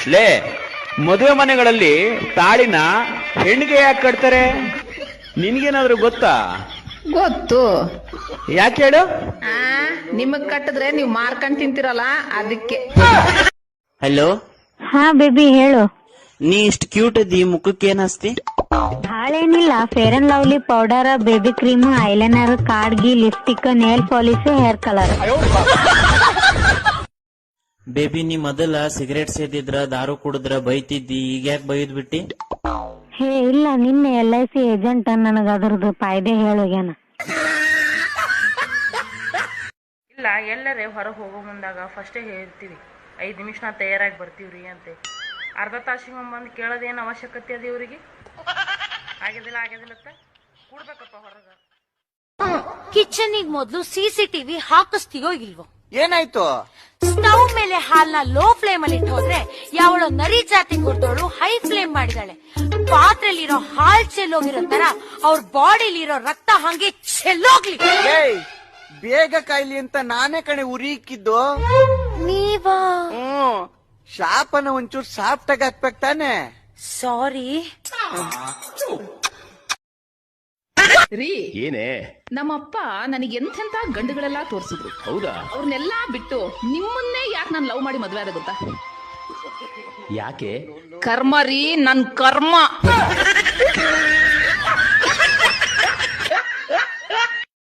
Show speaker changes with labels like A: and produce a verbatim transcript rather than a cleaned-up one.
A: ಲೇ, ಮದುವೆ ಮನೆಗಳಲ್ಲಿ ತಾಳಿನ ಹೆಣ್ಣಿಗೆ ಯಾಕೆ ಕಟ್ತಾರೆ? ನಿನ್ಗೇನಾದ್ರು ಗೊತ್ತಾ?
B: ಗೊತ್ತು.
A: ಯಾಕೆ ಹೇಳು?
B: ಆ ನಿಮಗ್ ಕಟ್ಟಿದ್ರೆ ನೀವ್ ಮಾರ್ಕೊಂಡ್ ತಿಂತಿರಲ್ಲ ಅದಕ್ಕೆ.
C: ಹಲೋ.
D: ಹಾ ಬೇಬಿ ಹೇಳು.
C: ನೀ ಇಷ್ಟ ಕ್ಯೂಟ್ ಅದಿ, ಮುಖಕ್ಕೆ ಏನ್ ಹಸ್ತಿ?
D: ಹಾಳೇನಿಲ್ಲ, fair and lovely powder, baby cream, eyeliner, ಕಾಡ್ಗಿ, lipstick, nail polish, hair colour.
C: Baby, ನೀ ಮೊದಲ ಸಿಗರೇಟ್ ಸೇದಿದ್ರ, ದಾರು ಕುಡಿದ್ರ ಬೈತಿದ್ದಿ, ಈಗ ಯಾಕೆ ಬೈದ್ ಬಿಟ್ಟಿ?
D: ಹೇ ಇಲ್ಲ, ನಿನ್ನೆ ಎಲ್ ಐ ಸಿ ಏಜೆಂಟ್ ನನಗ ಅದ್ರದ್ದು ಫಾಯ್ದೆ ಹೇಳೋಗ್ಯಾನ.
E: ಇಲ್ಲ, ಎಲ್ಲರೇ ಹೊರಗೆ ಹೋಗೋ ಮುಂದಾಗ ಫಸ್ಟೇ ಹೇಳ್ತೀವಿ, ಐದು ನಿಮಿಷ ನಾ ತಯಾರಾಗಿ ಬರ್ತೀವ್ರಿ ಅಂತೆ. ಅರ್ಧ ತಾಸಿಗೆ ಬಂದು ಕೇಳೋದೇನು ಅವಶ್ಯಕತೆ ಅದ ಇವ್ರಿಗೆ? ಆಗ್ಯದಿಲ್ಲ ಆಗ್ಯದಿಲ್ಲತ್ತ ಕೂಡ್ಬೇಕಪ್ಪ ಹೊರಗ.
F: ಕಿಚನಿಗ್ ಮೊದ್ಲು ಸಿಸಿಟಿವಿ ಹಾಕಿಸ್ತೀಯೋ ಇಲ್ವೋ?
G: ಏನಾಯ್ತು?
F: ಸ್ಟವ್ ಮೇಲೆ ಹಾಲ್ನ ಲೋ ಫ್ಲೇಮ್ ಅಲ್ಲಿ ಇಟ್ಟು ಹೋದ್ರೆ ಯಾವಳೋ ನರಿ ಜಾತಿ ಕೊಡ್ತೋಳು ಹೈ ಫ್ಲೇಮ್ ಮಾಡಿದಾಳೆ. ಪಾತ್ರೆಲಿರೋ ಹಾಲ್ ಚೆಲ್ಲೋಗಿರೋ ತರ ಅವ್ರ ಬಾಡಿಲಿರೋ ರಕ್ತ ಹಂಗೆ ಚೆಲ್ಲೋಗ್ಲಿ.
G: ಬೇಗ ಕಾಯ್ಲಿ ಅಂತ ನಾನೇ ಕಣೆ ಉರಿಕ್ಕಿದ್ದು.
F: ನೀವಾ?
G: ಹ್ಮ್, ಶಾಪನ ಒಂಚೂರು ಸಾಫ್ಟ್ ಆಗಿ ಹಾಕ್ಬೇಕು ತಾನೆ.
F: ಸಾರಿ
B: ರೀ,
A: ಏನೇ?
B: ನಮ್ಮಪ್ಪ ನನಗೆ ಎಂತೆಂತ ಗಂಡುಗಳೆಲ್ಲ ತೋರ್ಸಿದ್ರು.
A: ಹೌದಾ?
B: ಅವ್ರನ್ನೆಲ್ಲಾ ಬಿಟ್ಟು ನಿಮ್ಮನ್ನೇ ಯಾಕೆ ನಾನು ಲವ್ ಮಾಡಿ ಮದ್ವೆ ಆದ ಗೊತ್ತಾ?
A: ಯಾಕೆ?
B: ಕರ್ಮ ರೀ, ನನ್ ಕರ್ಮ.